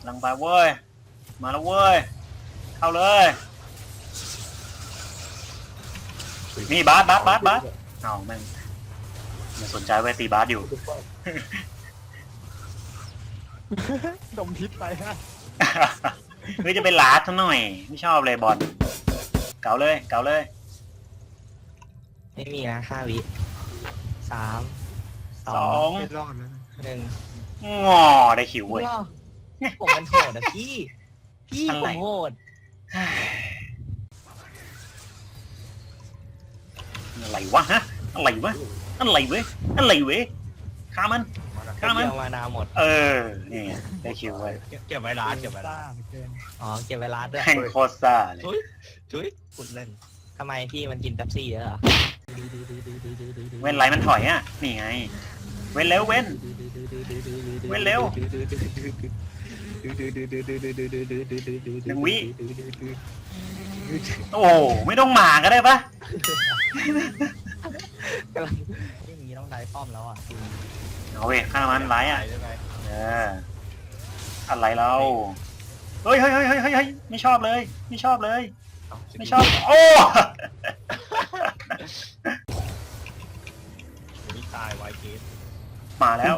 ลังไปเว้ยมาแล้วเว้ยเข้าเลยนี่บาสเอาแม่งไม่สนใจไว้ตีบาสอยู่ดมพิษไปฮะเฮ้ยจะไปลาดซะหน่อยไม่ชอบเลยบอลเก่าเลยไม่มีนะ5 วิ3 2 ไม่รอดแล้ว 1 งอได้คิวเว้ยผมมันโหดอะพี่อะไรผมโหดอะไรวะฮะอะไรเว้ยฆ่ามันเดียวมานาหมดนี่ไงได้คิวเว้ยเก็บไว้ร้านเก็บไว้ร้านเกินอ๋อเก็บไว้ร้านด้วยแข่งโคตรซ่าเลยจุ๊ยขุดเล่นทำไมพี่มันกินเป๊ปซี่เยอะเหรอเว้นไรมันถอยอ่ะนี่ไงเว้นเร็วเว้นเร็ว1 วิโอ้ไม่ต้องหมาก็ได้ปะกำลังอย่างนี้ต้องได้ป้อมแล้วอ่ะเอาเว้ยฆ่ามันไรอ่ะอะไรเราเฮ้ยไม่ชอบเลยไม่ชอบโอ้นี่ตายไวเกตมาแล้ว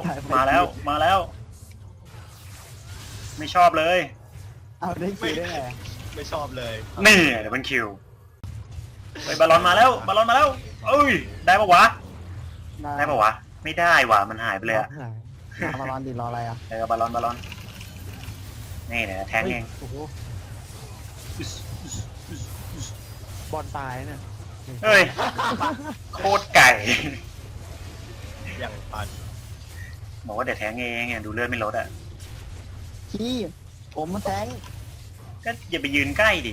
ไม่ชอบเลยเอาได้คิวได้ไงไม่ชอบเลยนี่เดี๋ยวมันคิวเฮ้ยบอลลอนมาแล้วเอ้ยได้ปะวะไม่ได้ว่ะมันหายไปเลยอะบอลลอนดิรออะไรอ่ะบอลลอนนี่เดี๋ยวแทงเองโอ้โหบอลตายเนี่ยเฮ้ยโคตรไก่อย่างปันบอกว่าเดี๋ยวแทงเองดูเลือดไม่ลดอ่ะพี่ผมมาแทงก็อย่าไปยืนใกล้ดิ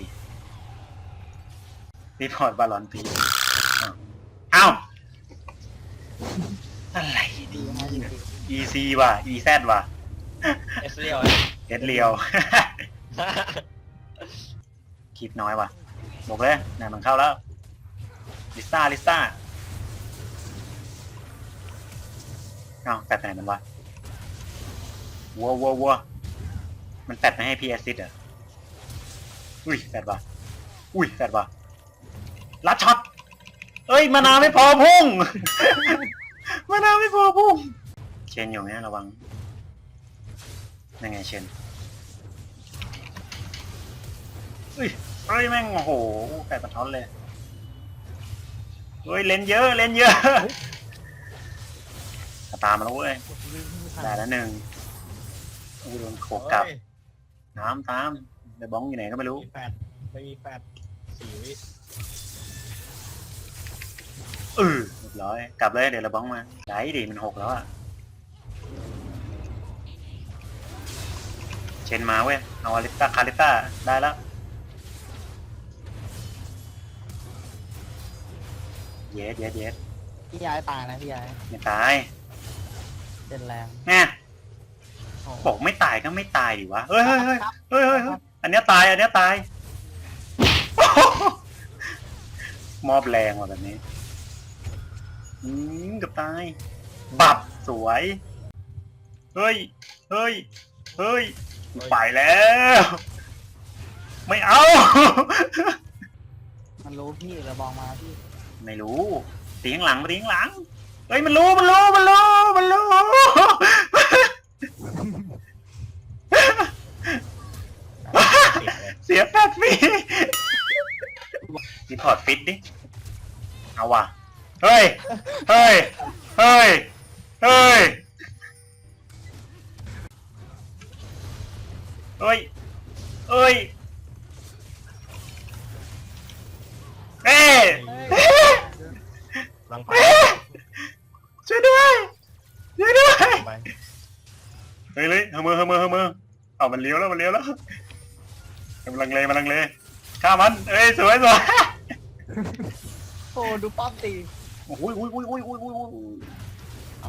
รีพอร์ตบอลลอนพีเอ้าอะไรดี EC ว่ะ EZ ว่ะเอสเรียวเอ็ดเลียว คลิปน้อยว่ะบอกเลยเนี่ยมันเข้าแล้วลิซ่าเอ้าแปดไปไหนมันวะวัวมันแปดไม่ให้พี่แอซิดเหรออุ้ยแปดว่ะลัดช็อตเอ้ยมานาไม่พอพุ่ง มานาไม่พอพุ่งเชนอยู่เนี่ยระวังยังไงเชนเฮ้ยแม่งโอ้โหไก่ปะท้อนเลยเฮ้ยเล่นเยอะตามมาแล้วเว้ยได้แล้ว1โดนโขกกลับน้ำตามเดี๋ยวบ้องอยู่ไหนก็ไม่รู้ไม่มี4 วิเรียบร้อยกลับเลยเดี๋ยวเราบ้องมาได้ดิมัน6แล้วอะเชนมาเว้ยเอาคาริต้าได้แล้วเย็ดพี่ย้ายตายนะพี่ย้ายไม่ตายเป็นแรงแน่บอกไม่ตายก็ไม่ตายดิวะเฮ้ยอันเนี้ยตายมอบแรงว่ะแบบนี้กับตายบับสวยเฮ้ยไปแล้วไม่เอามันรู้พี่ระบองมาพี่ไม่รู้ตีข้างหลังเฮ้ยมันรู้ เสียแฟดฟรีรีพอร์ตฟิตดิเอาว่ะเฮ้ยเอ้ยลังไปช่วยด้วยไปเฮ้ยเฮมือเอามันเลี้ยวแล้วมันลังเลฆ่ามันเอ้ยสวยโอ้ดูป้อมตีโอ้ยเอา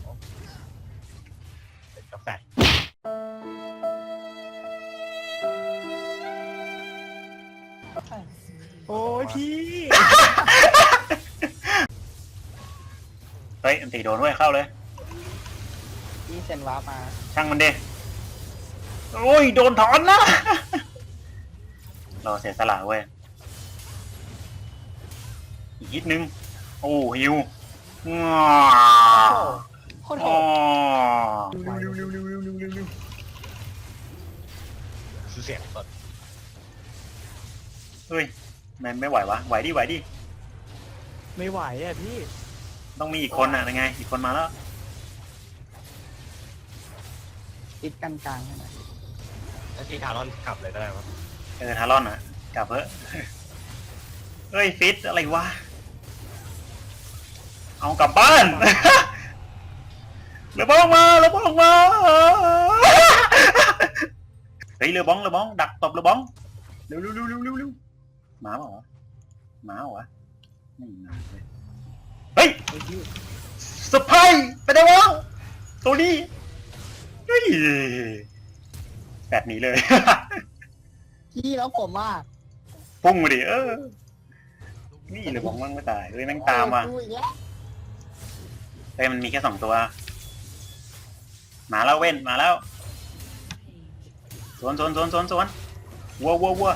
เป็นกาแฟโอ้ยพี่เฮ้ยอันตีโดนเว้ยเข้าเลยพี่เซ็นวาร์ปมาช่างมันดิโอ้ยโดนถอนนะ เราเสียสละเว้ยอีกนิดนึงโอ้ฮิวง้าโคตรโหอ๋อดคือเสียงสดเฮ้ยไม่ไหววะไหวดิไหวดิไม่ไหวอ่ะพี่ต้องมีอีกคนอ่ะยังไงอีกคนมาแล้วติดกันกลางใช่ไหมแล้วที่ทารอนกลับเลยก็ได้ครับทารอนอ่ะกลับเถอะ เฮ้ยฟิตอะไรวะเอากลับบ้าน เรือบ้องมาเรือบ้องมา เฮ้ยเรือบ้องดักตบเรือบ้องเร็วหมาเปล่าวะหมาเหรอวะไม่มาเลยเฮ้ยไอ้พี่สะพายไปได้วะตัวนี้เฮ้ยแบบนี้เลยพี่แล้วผมอ่ะพุ่งมาดินี่เรือบ้องมั่งไม่ตายเฮ้ยแม่งตามว่ะดูอีกแล้วเฮ้ยมันมีแค่2 ตัวมาแล้วเว้นมาแล้วสวนวัว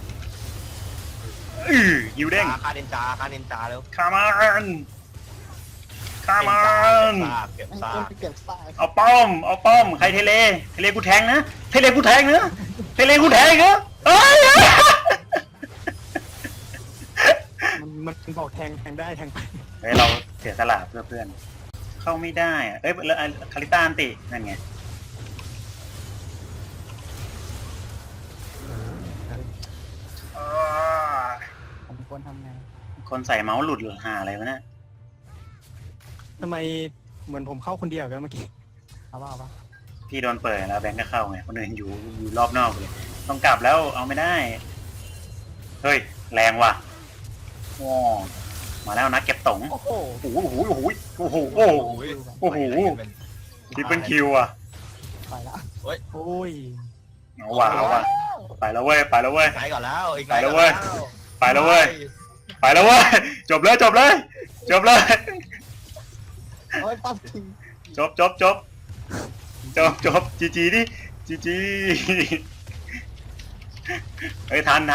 ยิวเด้งฆ่าเดนจาแล้วคามันเก็บไม่ซาต้กเก็บสายเอาป้อมใครเทเลกูแทงนะเทเลกูแทงนะเอ้ยมันบอกแทงได้แทงไปเฮ้ยเราเสียสละเพื่อเพื่อนเข้าไม่ได้อะเอ้ยแล้วคาริต้าอันตินั่นไงผมควรทำไงคนใส่เมาส์หลุดหรือหาอะไรวะเนี่ยทำไมเหมือนผมเข้าคนเดียวกันเมื่อกี้เอาป่ะพี่โดนเปิดแล้วแบงค์ก็เข้าไงคนอื่นอยู่รอบนอกเลยต้องกลับแล้วเอาไม่ได้เฮ้ยแรงว่ะว้ามาแล้วนะเก็บตงโอ้โหโอ้โหที่เป็นคิวอ่ะไปละโอ้ยเอาว่ะไปแล้วเว้ยไกลก่อนแล้วอีกไกลไปแล้วเว้ย จบเลยโอ้ยปั๊บทิ้งจบจีดิเฮ้ยทัน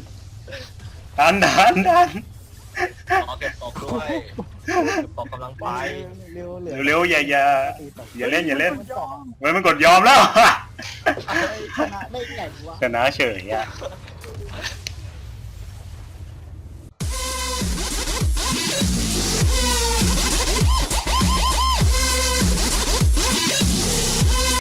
ขอเก็บตกด้วยตกกำลังไปเร็วอย่าเล่นเว้ยมันกดยอมแล้วชนะได้ไงวะชนะเฉยอ่ะเ